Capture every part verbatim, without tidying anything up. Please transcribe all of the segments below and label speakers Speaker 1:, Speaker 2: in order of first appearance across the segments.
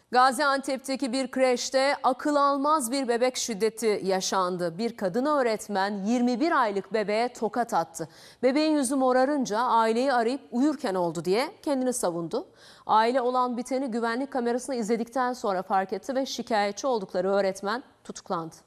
Speaker 1: Gaziantep'teki bir kreşte akıl almaz bir bebek şiddeti yaşandı. Bir kadın öğretmen yirmi bir aylık bebeğe tokat attı. Bebeğin yüzü morarınca aileyi arayıp uyurken oldu diye kendini savundu. Aile olan biteni güvenlik kamerasını izledikten sonra fark etti ve şikayetçi oldukları öğretmen tutuklandı.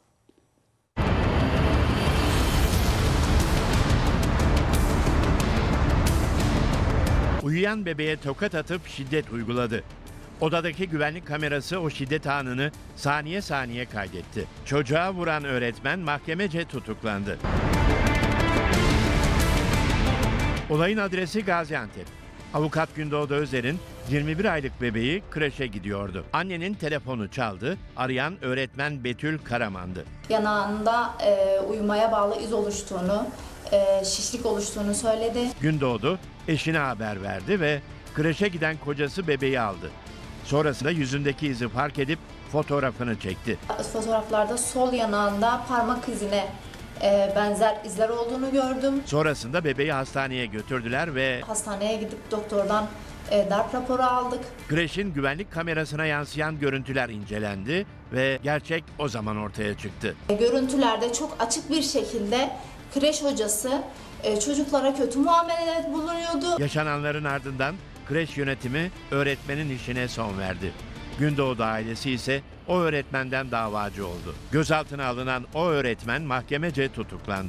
Speaker 2: Uyuyan bebeğe tokat atıp şiddet uyguladı. Odadaki güvenlik kamerası o şiddet anını saniye saniye kaydetti. Çocuğa vuran öğretmen mahkemece tutuklandı. Olayın adresi Gaziantep. Avukat Gündoğdu Özer'in yirmi bir aylık bebeği kreşe gidiyordu. Annenin telefonu çaldı, arayan öğretmen Betül Karaman'dı.
Speaker 3: Yanağında e, uyumaya bağlı iz oluştuğunu, e, şişlik oluştuğunu söyledi.
Speaker 2: Gündoğdu eşine haber verdi ve kreşe giden kocası bebeği aldı. Sonrasında yüzündeki izi fark edip fotoğrafını çekti.
Speaker 3: Fotoğraflarda sol yanağında parmak izine e, benzer izler olduğunu gördüm.
Speaker 2: Sonrasında bebeği hastaneye götürdüler ve
Speaker 3: Hastaneye gidip doktordan e, darp raporu aldık.
Speaker 2: kreşin güvenlik kamerasına yansıyan görüntüler incelendi ve gerçek o zaman ortaya çıktı.
Speaker 3: E, görüntülerde çok açık bir şekilde kreş hocası e, çocuklara kötü muamelede bulunuyordu.
Speaker 2: Yaşananların ardından kreş yönetimi öğretmenin işine son verdi. Gündoğdu ailesi ise o öğretmenden davacı oldu. Gözaltına alınan o öğretmen mahkemece tutuklandı.